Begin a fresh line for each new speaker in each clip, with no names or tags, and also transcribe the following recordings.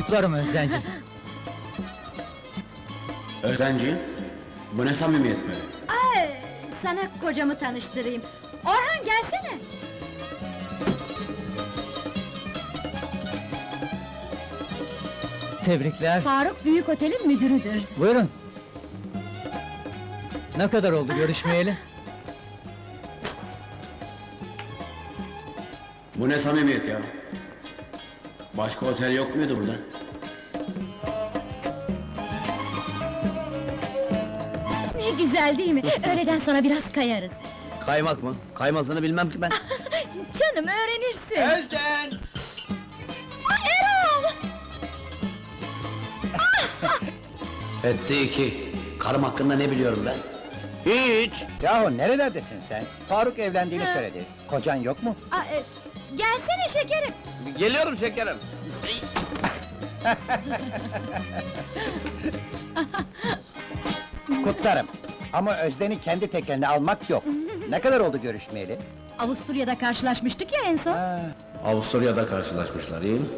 Kutlarım Özdenci.
Özdenci, bu ne samimiyet böyle?
Ay, sana kocamı tanıştırayım. Orhan gelsene.
Tebrikler.
Faruk Büyük Otel'in müdürüdür.
Buyurun. Ne kadar oldu görüşmeyeli?
Bu ne samimiyet ya? Başka otel yok muydu burada?
Ne güzel değil mi? Öğleden sonra biraz kayarız.
Kaymak mı? Kaymasını bilmem ki ben.
Canım öğrenirsin.
Özden!
Erol!
Etti iki. Karım hakkında ne biliyorum ben? Hiç!
Yahu nerelerdesin sen? Faruk evlendiğini söyledi. Kocan yok mu?
Gelsene şekerim.
Geliyorum şekerim.
Kutlarım. Ama Özden'i kendi tekeline almak yok. Ne kadar oldu görüşmeyeli?
Avusturya'da karşılaşmıştık ya en son.
Avusturya'da karşılaşmışlar, iyi mi?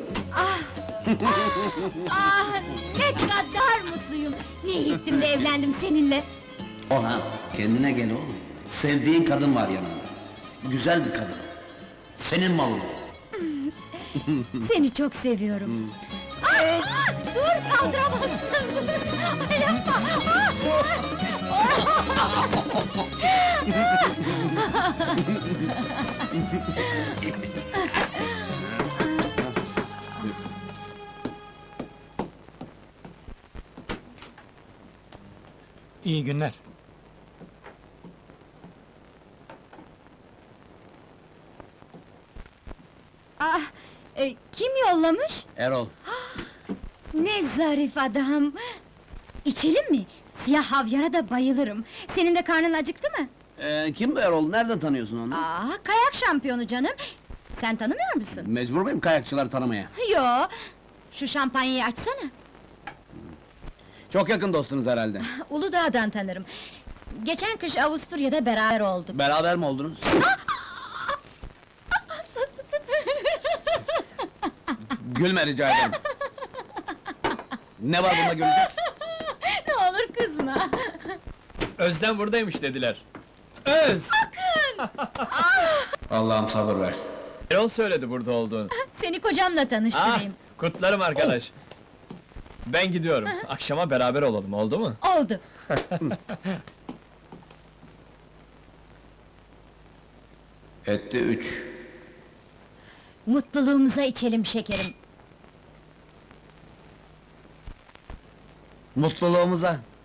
Ah, ne kadar mutluyum. Ne iyi ettim de evlendim seninle.
Orhan, kendine gel oğlum. Sevdiğin kadın var yanında. Güzel bir kadın. Senin malın.
Seni çok seviyorum. Dur, kaldıramazsın! Ay, yapma!
İyi günler.
Kim yollamış?
Erol.
Ne zarif adam! İçelim mi? Siyah havyara da bayılırım. Senin de karnın acıktı mı?
Kim bu Erol? Nereden tanıyorsun onu?
Kayak şampiyonu canım! Sen tanımıyor musun?
Mecbur muyum kayakçıları tanımaya?
Yo! Şu şampanyayı açsana!
Çok yakın dostunuz herhalde.
Uludağ'dan tanırım. Geçen kış Avusturya'da beraber olduk.
Beraber mi oldunuz? Gülme rica ederim. Ne var bunda gülecek?
Ne olur kızma!
Özden buradaymış dediler. Öz!
Allah'ım sabır ver.
Erol söyledi burada olduğunu.
Seni kocamla tanıştırayım.
Kutlarım arkadaş. Ben gidiyorum. Akşama beraber olalım, oldu mu?
Oldu!
Etti üç.
Mutluluğumuza içelim şekerim.
Mutluluğumuza.